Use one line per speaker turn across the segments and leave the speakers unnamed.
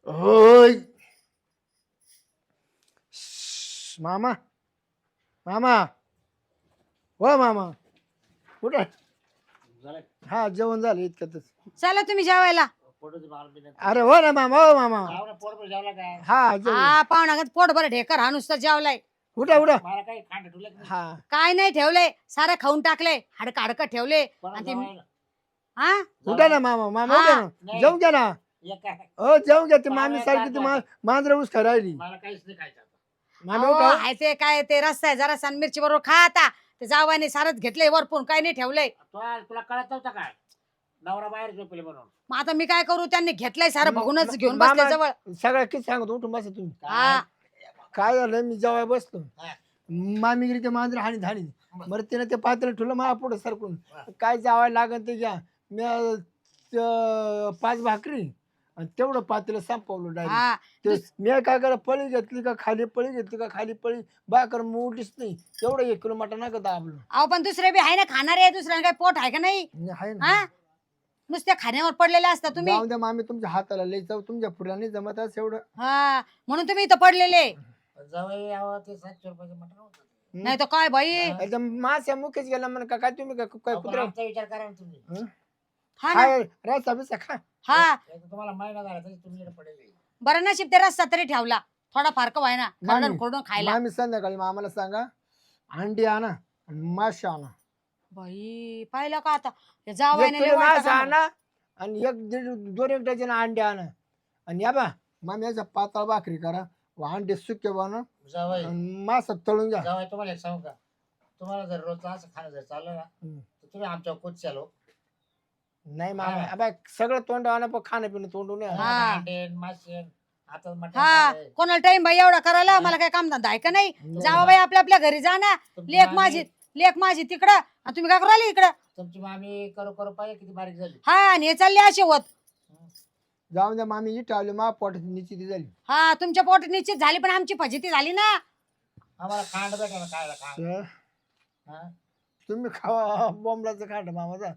होय. मामा मामा हो मामा कुठं हा जेवण झालं इतक्यातच.
चला तुम्ही जेवायला.
अरे हो ना मामा हो मामा हा जेवण
हा पाहुणागत पोटभर ढेकर हा नुसतं जेवलाय.
उठा उठा हा
काय नाही ठेवलंय सारं खाऊन टाकले हाडकं हाडकं ठेवले आणि ती हा
उठा ना मामा मामा उठा ना जेवून घ्या ना. हो जेवून घ्या ती मामी सारखी ती मांजर ऊस खा राहिली. मामी
अहो,
उठा
आहे ते काय ते रस्ता आहे जरा मिरची बरोबर खा आता. ते जावाने सारच घेतलंय वरपून काय नाही ठेवलंय.
तुला कळत नव्हतं काय नवरा बाहेर झोपले म्हणून
मग आता मी काय करू त्यांनी घेतलंय सारं बघूनच घेऊन
मामा
बसले जवळ.
सगळं किती सांगतो उठून बसा तुम्ही.
हा
काय झालं मी जेव्हा बसलो
हा.
मामी गेली ते मांजर हाणी धाणी बरं तिने ते पात्र ठेवलं मला पुढे सरकून काय जावायला लागन ते घ्या. मी 5 भाकरी आणि तेवढं पात्र संपवलं डायरेक्ट.
हा
मी काय करा पळी घेतली का खाली पळी घेतली का खाली पळी बाकर मोठीच नाही तेवढं 1 किलो मटण नका दाबलं.
अहो पण दुसरे बी आहे ना खाणारे दुसऱ्या काय पोट आहे का नाही.
आहे ना
हा नुसत्या खाण्यावर पडलेले असता तुम्ही.
जाऊन द्या मामी तुमच्या हाताला लई जाऊ तुमच्या पुढला नाही जमत असं एवढं.
हा म्हणून तुम्ही इथं पडलेले.
जवळ यावं ते 700 रुपयाचं मटण होतं ते.
नाही तर काय बाई.
एकदम मास्या मुख्यच गेला म्हण काय तुम्ही काय
अहो, पण
कुत्रा
आमचा विचार करा ना तुम्ही
हा ना
खाय रस्ता बिस्ता खा.
हा
एकदा तुम्हाला महिना झाला तरी तुम्ही इकडे पडेल
बरं नशीब ते रस्ता तरी ठेवला थोडा फारक व्हाय ना खरडून खोडून खायला.
मामी संध्याकाळी आम्हाला सांगा अंडी आणा आणि मासे आणा.
बाई पाहिलं का आता हे
1
जावायने लय
किलो
वाईट
मासे
काम.
आणा आणि 2 डझन अंडे आणा आणि या बा मामी याचा पातळ भाकरी करा अंडे सुके बनव
जावई
आणि मासा तळून घ्या.
जावई तुम्हाला एक सांगू का तुम्हाला जर रोज असं खाणं जर चाललं ना तर तुम्ही आमच्या कोच चालो
नाही मामा अबा सगळं तोंड आणा पण खाणं पिणं तोंडून या.
हा.
अंडे मासे आता मटण
हा
झालंय.
कोणाला टाइम बाई एवढा करायला मला काय काम धंदा आहे का नाही. जावा बाई आपल्या आपल्या घरी जा ना.
तुमची
लेख माझी तिकडं आणि तुम्ही काय करू राहिले इकडं.
तुमची मामी करू करू पाहिजे किती बारीक झाली
हा आणि हे चालले असे होत.
जाऊन द्या मामी इट आली मा पोट निश्चिती झाली.
हा तुमच्या पोट निश्चित झाली पण आमची फजिती झाली ना.
आम्हाला खांड भेटा ना खायला खांड
तर
हा?
तुम्ही खावा बॉम्बलाचं खाट मामाचा.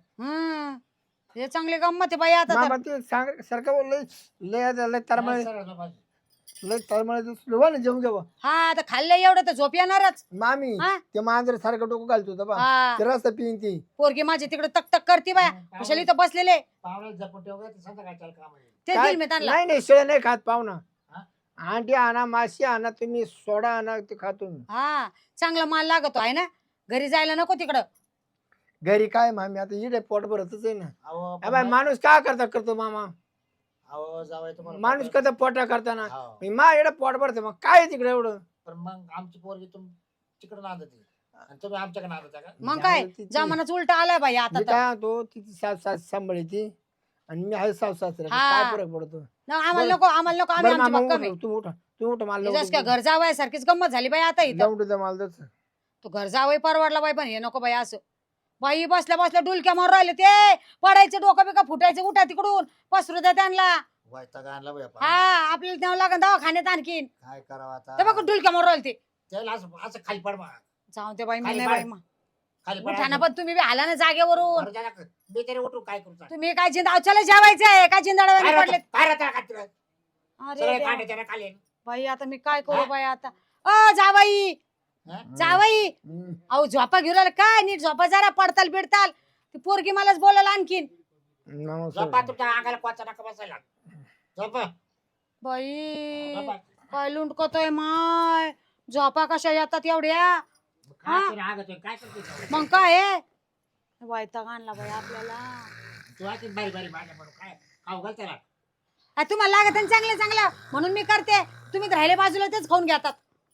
हे चांगले गंमत आहे बाई आता तर.
मामा ते सांग सारखं बोललंय लय तरमळे
सरळ झोपायचं.
लय तरमळे ना जेवून घ्यावं.
हा आता खाल्लं एवढं तर झोप येणारच.
मामी
हा?
ते मांजर सारखं डोकं घालतो होता बा
हा
ते रस्ता पिईन ती.
पोरगी माझी तिकडे तक तक करते बाया कशाला इथं बसलेले.
पाहुणे जपून ठेव गं, ते संध्याकाळच्या काम आहे.
ते
काय?
दिल मी त्यांना.
नाही नाही शेळ नाही खात पाहुणा.
हा?
अंडी आणा माशी आणा तुम्ही सोडा आणा ते खातो मी.
हा चांगला माल लागतो आहे ना. घरी जायला नको तिकडं.
घरी काय मामी आता इडे पोट भरतच आहे ना.
अहो पण
अबे माणूस काय करतो मामा
अहो जावई तुम्हाला
माणूस
पटलं.
करता पोटा करताना
हो.
मा इकडे पोट भरते मग काय आहे तिकडे एवढं.
पण मग आमची पोरगी तिकडे नांदते आणि तुम्ही आमच्याकडे नांदता का
मग काय जमानाच उलटा आलाय बाई आता
मी
तर.
काय म्हणतो तिची सास सांभाळी आणि मी आहे सास सासरा
हा.
काय फरक पडतो.
ना, आम्हाला नको आम्हाला नको आम्ही
बरं
आमची
मामा
भक्कम आहे.
तू उठ मला
जस काय घर जावं सारखीच गंमत झाली बाई आता इथं.
जाऊन दे मला तसं.
तू घर जावं परवडला बाई पण हे नको बाई असं. बाई बसल्या बसल्या डुलक्या मारून राहिले ते पडायचे डोकं बिका फुटायचे उठा तिकडून पसरू द्या त्यांना.
वैताग आणला बाई
हा आपल्याला द्यावं लागेल दवाखान्यात आणखीन.
काय करावं
ते
आता
बघ डुलक्या मारून राहिले ते.
त्याला असं खाली पड मग
जाऊ दे बाई मी
खाली
नाही
पड.
बाई मग.
खाली
उठा ना
पड
पण तुम्ही बी आला ना जागेवरून.
बरं झालं. मी तरी उठू काय करू सांग?
तुम्ही काय जिंदा चला जेवायचंय काय जिंदाडा
काय
पडले.
राहतं? काय राहतं का तिकडं?
अरे
सगळे
देवा.
कांडे त्याला खाली
बाई आता मी काय करू
हा?
बाई आता. जावाई
हा?
जावाई
हम्म.
अहो झोपा घेऊन राहिला काय नीट झोपा जरा पडताल बिडताल. ती पोरगी मलाच बोलायला आणखीन.
नमस्कार.
झोपा तुमच्या अंगाला कोचा नका बसायला झोपा
बाई
झोपा.
काय लुंडकतोय माय. झोपा कशा येतात एवढ्या.
काय तरी राग येतोय, काय करते
मग काय आहे? वैताग आणला बाई आपल्याला.
तू अशी बारी बारी भांडण म्हणून काय खाऊ घाल त्याला
तुम्हाला लागत आहे ना चांगलं चांगलं म्हणून मी करते. तुम्ही राहिले बाजूला तेच खाऊन घेतात.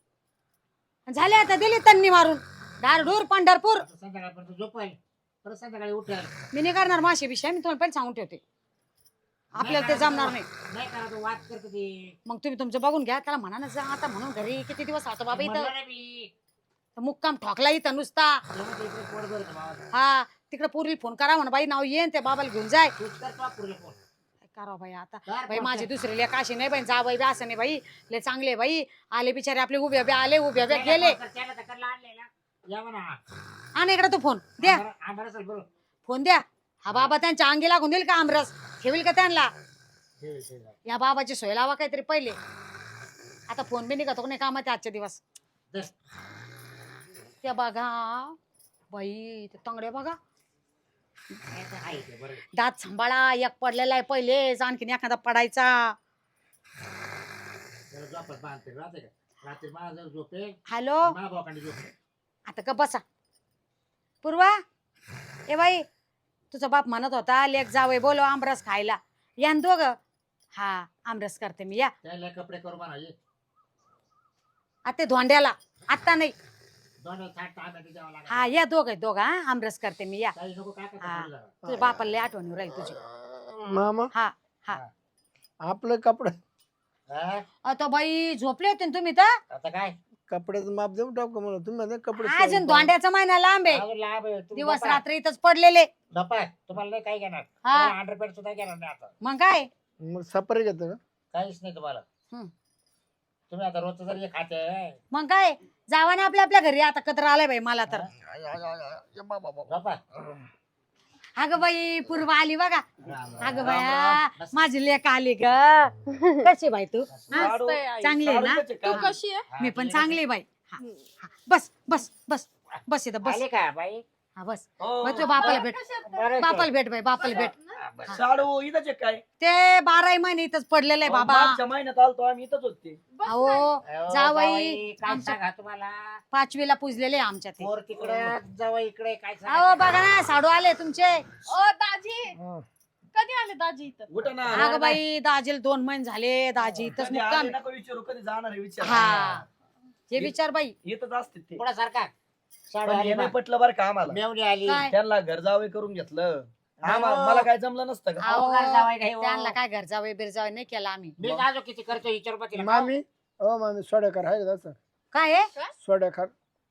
झाले आता दिली तन्नी मारून धारढूर पंढरपूर.
आता संध्याकाळपर्यंत झोपाय परत संध्याकाळी उठेल
मी नाही करणार माशी विषय मी तुम्हाला पहिले सांगून ठेवते. आपल्याला ते जमणार नाही.
नाही करा तो वाद करतो ते
मग तुम्ही तुमचं बघून घ्या त्याला म्हणा ना जा आता म्हणून घरी किती दिवस राहतो बाबा
म्हणलं
इथं.
ना मी
मुक्काम ठोकला इथं नुसता.
जेव्हा ते इकडे पोट भरतं भावाचं.
हा तिकडे पूर्वी फोन करा म्हणा बाई नाव येईन ते बाबाला घेऊन जाय.
तूच कर तो पुरीला फोन.
काय करावं बाई आता.
कर
बाई
फोन
माझे
कर.
दुसरे लेख असे नाही बाई जा बाई बी असं नाही बाई. ले चांगले बाई आले बिचारे आपले उभे उभे आले उभे उभे गेले.
त्याला तर करला आणलेला. या म्हणा
आणि इकडे तू फोन द्या
आंबरस बरोबर
फोन द्या. हा बाबा त्यांच्या अंगी लागून देईल का आमरस ठेवील का त्यांना. या बाबाची सोय लावा काहीतरी पहिले. आता फोन बी निघतो नाही कामात आजचे दिवस. त्या बघा बाई ते तंगडे बघा. दात सांभाळा. एक पडलेला आहे पहिलेच, आणखीन एखादा पडायचा. हॅलो आता का बसा. पूर्वा ए बाई तुझा बाप म्हणत होता लेक जावई बोलो आमरस खायला. या न दोघं. हा आमरस करते मी या.
कपडे करू म्हणा
आता धोंड्याला आता नाही. हा या दोघं हा आमरस करते मी या. हा तुझ्या बापाला लय आठवण राहील तुझी.
मामा
हा हा
आपलं कपडे
आता बाई झोपले होते ना तुम्ही तर.
आता काय
कपड्याचं माप देऊन टाकू मला. तुम्ही म्हणता कपडे
अजून धोंड्याचा महिना लांब आहे.
अजून लाभ आहे. तुम्ही
दिवस
गप्पा.
रात्र इथंच पडलेले.
गप्पा. तुम्हाला नाही काय घेणार.
हा.
अंडरपेड सुद्धा घेणार नाही आता.
मग काय
मग सपरे घेतो का?
काहीच नाही तुम्हाला.
हम्म.
तुम्ही आता रोजचं जरी खाते
मग काय जावा ना आपल्या आपल्या घरी. आता कत्र आलाय बाई मला तर.
गप्पा.
अगं बाई पूर्वा आली बघा. अगं
राम
बाया
राम.
माझी लेक आली ग. कशी बाई तू हा? चांगली आहे ना.
तू कशी आहे?
हा,
मी पण
ठीक
चांगली आहे बाई. हा, हा. बस बस बस बस इथं
आहे.
बस.
आले का बाई?
हा बस बस तुझ्या बापाला भेट.
बरं
बापाला भेट बाई बापाला भेट.
शाळू इथंच आहे काय
ते 12 महिने इथंच पडलेलं आहे बाबा.
मागच्या महिन्यात आलतो आम्ही इथंच होते.
अहो
अहो,
जावई
काय
आमच्या-
सांगा तुम्हाला
5वीला पुजलेले आहे आमच्या ते.
पोर तिकडे जवळ इकडे काय
अहो
सांगा
बघा ना साडू आले तुमचे.
ओ दाजी
हा.
कधी आले दाजी इथं?
कुठं ना
अगं बाई दाजीला 2 महिने झाले. दाजी इथंच
कधी
मुक्काम
आले
आहे.
नको विचारू कधी जाणार आहे विचार
हा हे विचार बाई.
इथंच असते ते
पुढे सारखा साडू
पण
आली
हे नाही
बा.
पटलं बरं का आम्हाला
मेवणी आली
काय?
त्यांना घर जावे करून घेतलं
नाही
आम्हाला
हो.
मला काय जमलं नसतं का
अहो,
घर जावई नाही हो.
त्यांना काय घर जावे बिरजावे नाही केला आम्ही.
मी जाजो किती खर्च विचार पा तिला.
मामी ओ मामी सोड्याकर आहे का तसं?
काय आहे
सोड्याकर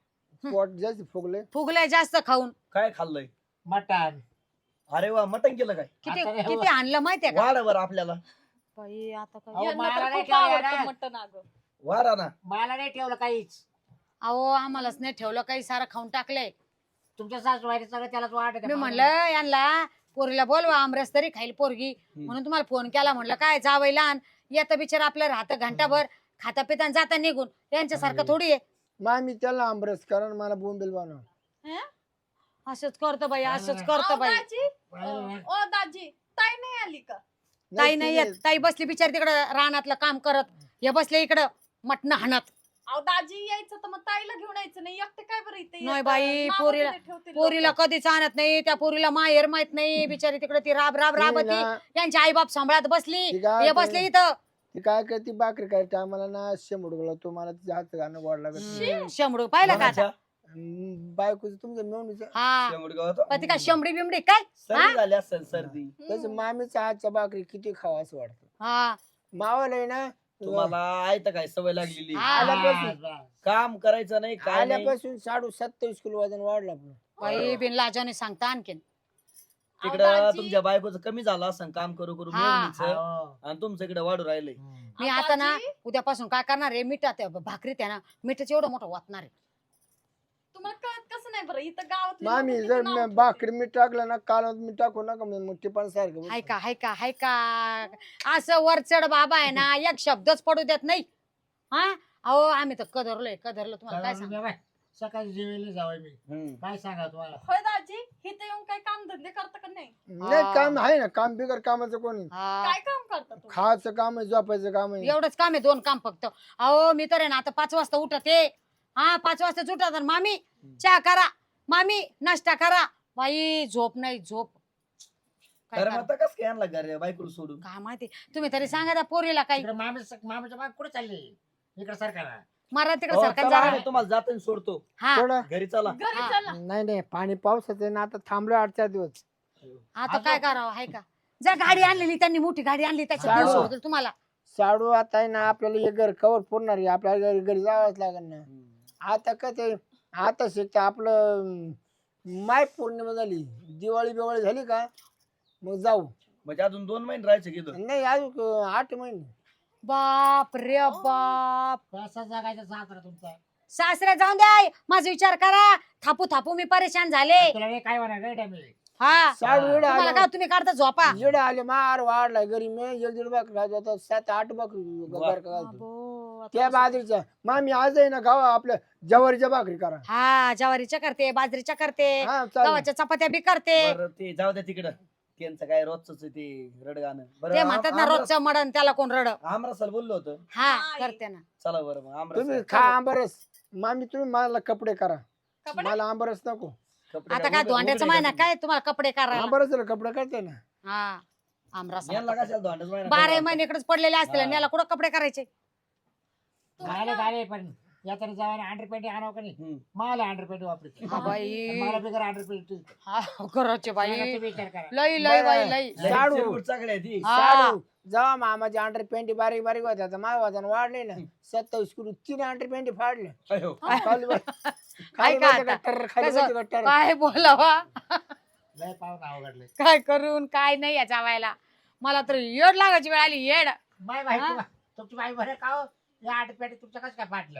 पोट जास्त फुगले.
फुगलंय जास्त खाऊन.
काय खाल्लंय
मटण
अरे वा मटण केलं काय
किती
आता नाही
किती आणलं माहितीये का
वाढ वर आपल्याला
बाई आता काय.
अहो,
यांना
मला
तर
नाही
खूप
ठेवलं
आवडतं
ना.
मटण अगं.
वाढा ना
मला नाही ठेवलं काहीच.
अहो आम्हालाच नाही ठेवलं काही सारं खाऊन टाकलंय.
तुमच्या सासूबाईने सगळं त्यालाच वाटत
मी म्हणलं यांना पोरीला बोलवा आमरस तरी खाईल पोरगी म्हणून तुम्हाला फोन केला. म्हणलं काय जावई लहान येतं बिचार आपलं राहतं घंटाभर खाता पिता जाता निघून. यांच्यासारखं थोडी आहे.
मामी त्याला आंबरस कारण मला बोंबील बनव.
हं?
असंच करतो बाई असंच करतो
अहो,
बाई.
दाजी ओ दाजी ताई नाही आली का?
ताई नाही येत. ताई बसली बिचारी तिकडं रानातलं काम करत. हे बसले इकडं मटण हाणत.
अहो दाजी यायचं तर मग ताईला घेऊन यायचं नाही. एकटे काय बरं इथे
नाही
येतं?
बाई,
नावं
पोरीला-
तरी ठेवतील
पोरीला
लोकं.
कधीच आणत नाही. त्या पोरीला माहेर माहित नाही. बिचारी तिकडे ती राब राब राबती.
ना,
यांचे आई बाप सांभाळत बसली.
ती काय
हे बसले इथं.
ती काय करते भाकरी काय टायमाला ना शेंबुडगला तो मला तिच्या हात गाणं गोड लागत.
शंभरू पाहिलं का आता.
बायकोचं तुमच्या मेवणीचं
हा
शेंगुडगाव
पण ती काय शंभरी बिमडी काय.
सर्दी झाली असेल सर्दी
त्याच्या मामीच्या हातच्या भाकरी किती खावा असं वाटतं.
हा
मावाला आहे ना
तुम्हाला आयत काय सवय लागलेली
हा.
आल्यापासून
काम करायचं नाही काय नाही
आल्यापासून 27 किलो वजन वाढलं आपलं.
बाई बिन लाजाने सांगता आणखीन.
अहो,
तिकडं
दाजी,
तुमच्या बायकोचं कमी झालं असं काम करू करू
हा.
मेवणीचं आणि तुमचं इकडे वाढू राहिलंय
मी
अहो,
आता ना
दाजी,
उद्यापासून काय करणार आहे मिठात भाकरीत आहे ना मिठाचं एवढं मोठं वाटणार आहे.
तुम्हाला कळत कसं नाही बरं इथं गावात
मामी जर भाकरी मी टाकलं ना काल मी टाकू नका मोठी पण सारखं
हाय का हाय का हाय का असं वरचढ बाबा आहे ना एक शब्दच पडू देत नाही. हा अहो आम्ही तर कदरलोय कदरलो तुम्हाला काय सांग.
सकाळी जेवायला जावं मी काय सांगा तुम्हाला.
होय दाजी इथं येऊन काय काम धंदे करता का नाही?
नाही काम आहे ना काम बिगर कामाचं कोणी
काय काम करता तुम्ही?
खायचं काम आहे झोपायचं काम आहे.
एवढंच काम आहे 2 काम फक्त. अहो मी तर आहे ना आता 5 वाजता उठते. हा 5 वाजता उठत मामी चहा करा मामी नाश्ता करा. बाई झोप नाही झोप. काय
अरे
करा?
मग आता कसं काय आणला घर बायकोला सोडून
काय माहिती तुम्ही तरी सांगा त्या पोरीला काही.
इकडे मामाच्या बाग कुठे चालली इकडे सरकार.
मारा तिकडे
हो,
सरकार
चला,
जरा.
आम्ही तुम्हाला जाताना सोडतो
हा
थोडं
घरी चला
घरी
हा.
चला.
नाही पाणी पावसाचं आहे ना आता थांबलो 8-4 दिवस.
आता काय करावं हाय का. जर गाडी आणलेली त्यांनी मोठी गाडी आणली त्याच्यात
चालेल.
घेऊन सोडतील तुम्हाला.
साडू आता आहे ना आपल्याला हे घर कवर पुरणार आहे आपल्याला घरी जावंच लागेल ना. आता काय ते आता शिकता आपलं माय पौर्णिमा झाली दिवाळी बिवाळी झाली का मग जाऊ.
म्हणजे अजून 2 महिने राहायचे गेलं
नाही अजून 8 महिने.
बाप रे बाप.
कसा जगायचा सासरा तुमचा.
सासऱ्या जाऊन द्या माझा विचार करा. थापू थापू मी परेशान झाले.
तुला हे काय होणार नाही टाइम.
हा
साडू एवढं
तुम्हाला
आलं
काय तुम्ही काढता झोपा
एवढं आले मार वाढलाय घरी मी 1-1.5 बकरी खात होता 7-8 बकरी घर का घालतो.
बाबो, आता
त्या
कसं-
बाजरीच्या मामी आज आहे ना गाव आपल्या जवारीच्या भाकरी करा
हा ज्वारीच्या करते बाजरीच्या करते
हा चालेल
गव्हाच्या चपात्या बी करते
बरं ते जाऊ द्या तिकडं त्यांचं काय रोजच ते रडगाणं
ते म्हणतात ना रोजचं मडण त्याला कोण रड
आमरसाला बोललो होतं
हा
नाही.
करते ना
चला बरं मग
तुम्ही
आमरस
खा आंबरस मामी तुम्ही मला कपडे करा
कपडे?
मला आंबरस नको
कपडे
आता काय धोंड्याचं महिना काय तुम्हाला कपडे करायला
आंबरस कपडे करते ना
हा आमरस
यांना कशाला धोंड्याचं महिना
12 महिने इकडेच पडलेले असतील आणि याला कुठं कपडे करायचे
झाले झाले पण यात्रा जावाने अंडरपेंटी आणावं का नाही
हम्म.
मला अंडरपेंटी वापरायची
हा बाई
मला बिगर अंडरपेंटी
हा करायचे बाई
विचार करा
लई लई बाई लई
लय
साडू.
चिरमुट चाकडी आहे ती
हा.
साडू जेव्हा मामाचे अंडर पेंटी बारीक बारीक होत्या तर माझ्या वजन वाढले ना 27 किलो 3 अंडर पेंटी फाडले
अयो.
खाली बस-
काय
खाली
का
बस
आता?
गट्टर, खाली
कसं?
बस गट्टर.
काय बोलावा
लय पाहून अवघडले
काय करून काय नाही याच्या वेळेला मला तर येड लागायची वेळ आली येड
माय माहिती
हा?
बा, तुमची बाई बरं का हो? या अंडरपेंटी तुमचं कसं काय फाटलं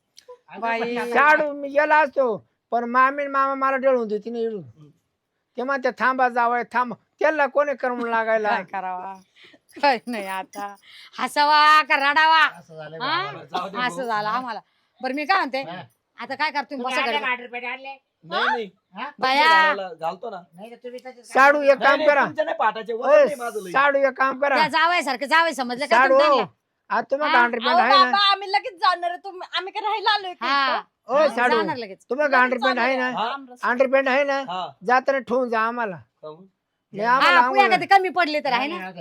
बाई.
साडू मी गेला असतो पण मामी आणि मामा मला डळून देते नाही इडून ते म्हणते थांबा जावं थांब त्याला कोणी करमून लागायला
काय करावा काय नाही आता हसावा का रडावा
असं झालं
हा?
बा.
जाऊ दे
असं
भाऊ.
झालं आम्हाला बरं मी काय म्हणते
हा.
आता काय करतो
तुम्ही
बसा
आणले
घरी
का अंडरपेंटी आणले
नाही नाही
हा?
बाया
घालायला घालतो ना
नाही तर तुम्ही तसेच
साडू एक
नाही,
काम
नाही,
करा
तुमच्या नाही पाठाचे वजन
ओय,
नाही माझं लई.
साडू एक काम करा
त्या जावयासारखं जावय समजलं का
साडू
तुम्ही त्यांना?
आता तुम्ही
हा?
अंडर
अहो
पेंट आहे ना
बाबा आम्ही लगेच जाणार आहे. तुम्ही आम्ही काय राहायला आलोय का
हा
इथं?
ओ साडू
जाणार लगेच
तुम्ही
लगेच
अंडर पेंट
जाणार
आहे ना
आहे.
हा?
आमरस.
अंडर पेंट आहे ना
हा
जाताना ठेवून जा आम्हाला
खाऊ.
नाही आम्हाला
हा पुण्या
आंघोळ-
कधी कमी पडले तर आहे ना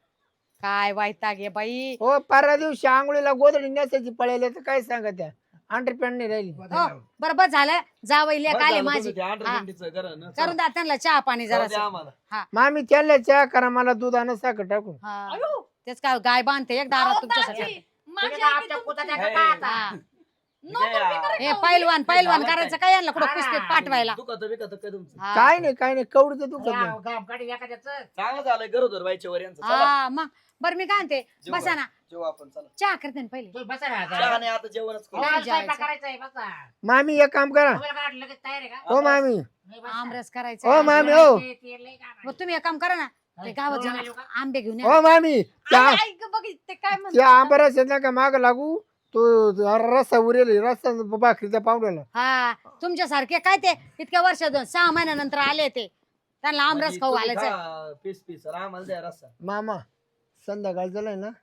काय वैताग आहे बाई
हो परवा दिवशी आंघोळीला गोदडी नेसायची पळायला तर काय सांगा त्या अंडर पेंट नाही राहिली
हो बरोबर झालं जावई लेक
बरं
आले
झालं
माझी
तुम्ही ते
हा.
अंडरपेंटीचं करा ना.
करून द्या त्यांना चहा पाणी
जाऊ
जरा
द्या आम्हाला
मामी त्याला चहा करा मला दूध आणि साखर टाकून
अयो,
तेच काय गाय बांधते एक दारात
अहो,
तुमच्यासाठी
दाजी, माझी
तुम्ही
आई
आमच्या
तुमची-
पुताच्या
हे,
का आता?
हा.
नको मी करे
हे
खाऊ.
पैलवान पैलवान
झालं
करायचं
काय?
काय यांना कुठं
हा.
कुस्तीत पाठवायला
दुखत बिकत काय तुमचं
हा.
काय नाही कवडीचं दुखत नाही
या, गामकाडी एखाद्याचं.
चांगलं झालंय गरोदर बाईच्या वर यांचं चला
हा मग बरं मी काय म्हणते
जेवू
बसा ना
जेवू आपण चला
चहा करते ना पहिले
तुम्ही बसा ना आता.
चहा नाही आता जेवणच करू.
नाही
तुम्हाला स्वयंपाक
जेवायचं.
करायचंय, बसा.
मामी एक काम करा
तुम्हाला काय वाटलं लगेच तयार आहे का?
हो मामी
नाही, बसा.
आमरस
हो
करायचं
मामी हो
ते- ते लय काम
मग
आहे.
तुम्ही एक काम करा ना ते गावात
जेवण
जाऊन
आलो का?
आंबे घेऊन या
हो मामी त्या
आई, ऐक बघ ते काय
त्या
म्हणतात
आंबऱ्यास येत ना का माग लागू तो रस्ता उरेल रस्ता भाकरीच्या पावड्याला
हा तुमच्यासारखे काय ते इतक्या वर्ष 6 महिन्यानंतर आले ते त्यांना आमरस
म्हणजे
खाऊ
तुम्ही
घालायचं
खा, पीस पीस आणि आम्हाला द्या रस्सा
मामा संध्याकाळ झालाय ना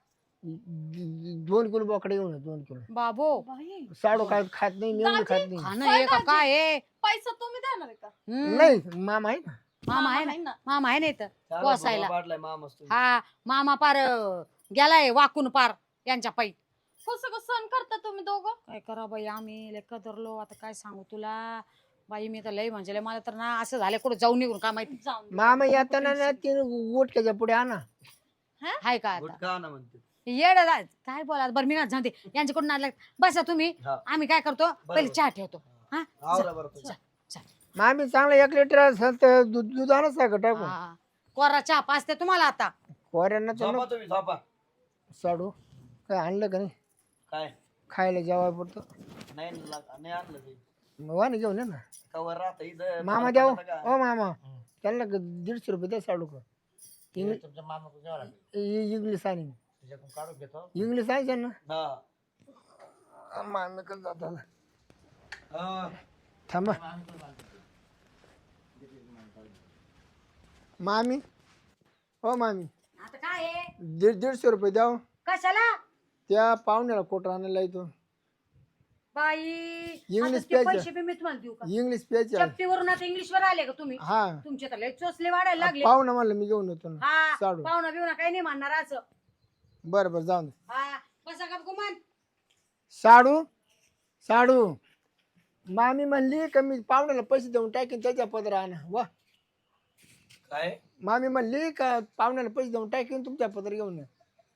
2 किलो बोकडे घेऊन 2 किलो
बाबो
बाई,
साडू काय खात नाही मेवणी खात नाही
खाणं हे का काय आहे?
पैसा तुम्ही देणार आहे का
हम्म.
नाही मामा आहे ना
मामा आहे ना
आहे ना
मामा आहे ना इथं
चहाला
पोसायला.
फुगा पाडलाय मामाच तुम्ही.
हा मामा पार गेलाय वाकून पार यांच्या पायी
कसं कसं सण करता तुम्ही दोघं
काय करा बाई आम्ही लेख धरलो आता काय सांगू तुला बाई मी तर लय म्हणजे लय मला तर ना असं झालं कुठं जाऊन निघून का माहिती
जाऊन दे.
मामा येताना ना तीन गोटक्याच्या पुढे आणा
हाय का आता
गुटखा ना म्हणते
येड काय बोला बरं मी ना जाते यांच्याकडून आणलं बसा तुम्ही
हा.
आम्ही काय करतो पहिले चहा ठेवतो हा
आवरा बरं तुम्ही.
मामी चांगला 1 लिटर असेल तर दूध आणा साखर टाकून
हा. कोरा चहा पाचते तुम्हाला आता
पोऱ्यांना तर
झोपा तुम्ही झोपा
साडू काय आणलं का नाही
काय
खायला जेवाय पुरतं
नाही आणलं ते
मग वाणी घेऊन ये ना
कवर राहतं इथं
मामा
मला
द्या
पटतं का?
ओ मामा त्यांना 150 रुपये द्या साडू का
हे तुमच्या मामा घ्यावं लागेल.
इंग्लिश आणि
त्याच्याकडून काढून घेतो
इंग्लिश आहे ना
हा
मामी कसं जातात
हा.
थांबा मामी हो मामी
आता काय आहे?
150 रुपये द्या हो.
कशाला
त्या पाहुण्याला कोट आणायला येतो
बाई
इंग्लिश
आता ते
प्यायचं.
पैसे बी मी तुम्हाला देऊ का
इंग्लिश प्यायचे आहे.
चपटीवरून आता इंग्लिश वर आले का तुम्ही
हा
तुमचे तर लय चोचले वाढायला लागले
पाहुणा म्हणलं मी घेऊन येतो ना
हा
साडू
पाहुणा बिवणा काही नाही म्हणणार असं
बरं बरं जाऊन दे.
हा बसा का गुमान
साडू साडू मामी म्हणली का मी पाहुण्याला पैसे देऊन टाकेन त्याच्या पदर आणा वा
काय
मामी म्हणली का पाहुण्याला पैसे देऊन टाकेन तुमच्या पदर घेऊन या.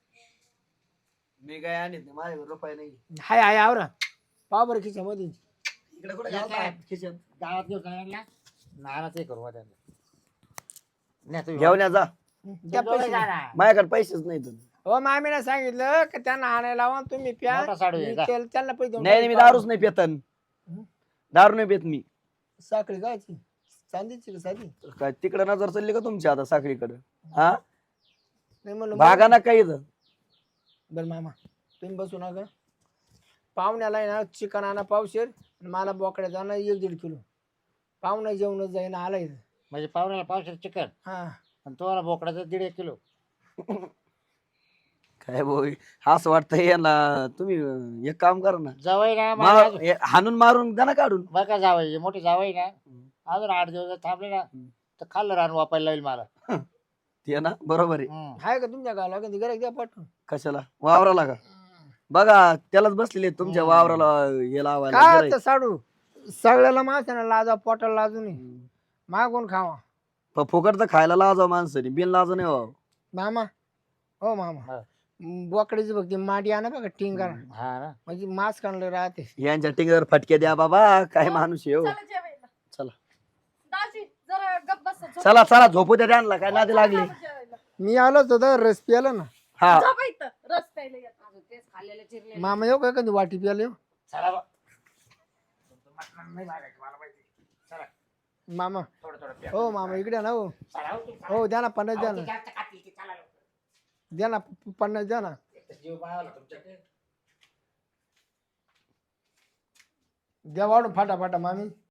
मी काय आणत नाही माझ्याकडे रुपये नाही
हाय आवरा पाव बरं खिशामध्ये
इकडे कुठे
या काय?
घालता खिशात
गावात घेऊन जायला नानाच हे करू बा त्यांना. नाही, तुम्ही
घेऊन या जा
त्या
दोघं
पैसे
जा ना.
माझ्याकडे पैसेच नाही तुम्ही
हो मामीने सांगितलं का त्यांना आणायला लावा तुम्ही प्या
मोठा साडू आहे
मी
का?
त्यांना पैसे देऊन
नाही नाही, मी
टाकेन.
दारूच नाही पेतन दारू नाही पेत मी
साखळी गायची चांदीची का साधी
काय तिकडे नजर चालली का तुमची आता साखळीकडे? हा
नाही म्हणलं
भागा ना काही इथं.
बरं मामा तुम्ही बसू नका. पाहुण्याला आहे ना चिकन आणा पावशेर आणि मला बोकड्या जाणं 1-1.5 किलो. पाहुणा जेवण जाईन आला इथं.
म्हणजे पाहुण्याला पावसाचं चिकन
हा
आणि तुम्हाला बोकडाचं 1.5 किलो.
काय भाऊ असं वाटतं यांना. तुम्ही एक काम करा ना,
जावई ना मला अजून-
हाणून मारून द्या ना काढून.
बघा जावई मोठी जावई ना अजून 8 दिवस जर थांबले ना तर खाल्लं रान वापायला लागेल मला.
ते ना बरोबर आहे.
आहे का तुमच्या गावाला कधी गिऱ्हाईक द्या पाठवून.
कशाला वावराला का? बघा त्यालाच बसलेले तुमच्या वावराला हे लावायला
काय
गिऱ्हाईक.
आता साडू सगळ्याला माणसाला लाजा पोटाला लाजू नये. मागून खावा.
फुकट तर खायला लाजा माणसाने, बिन लाज नाही व्हावं.
मामा हो मामा
हा.
बोकड्याची बघते माडी आणा बघा टिंगारा
हा ना
म्हणजे मांस काढलं राहते.
यांच्या टिंगर फटके द्या बाबा. काय माणूस आहे हो.
चला जेवायला.
चला
दाजी जरा गप्प बसा. झोप.
चला चला झोपू द्या त्यांना. काय नादी लागली.
चला जेवायला.
मी आलोच होतो रस प्यायला ना.
हा
झोपा इथं. रस प्यायला येत.
अजून तेच खाल्लेलं चिरलेलं.
मामा येऊ का कधी वाटी प्यायला येऊ.
चला बा. नाही लागायचं मला माहिती. चला
मामा
थोडं थोडं प्या.
हो मामा इकडे ना हो.
चला हो तुम्ही, चला.
हो द्या ना 50 द्या
अहो,
ना.
ती जास्त खाती, ती चला लवकर.
द्या ना 50 द्या ना.
एक तर जीव मावाला तुमच्याकडे.
द्या वाढून फाटा फाटा मामी.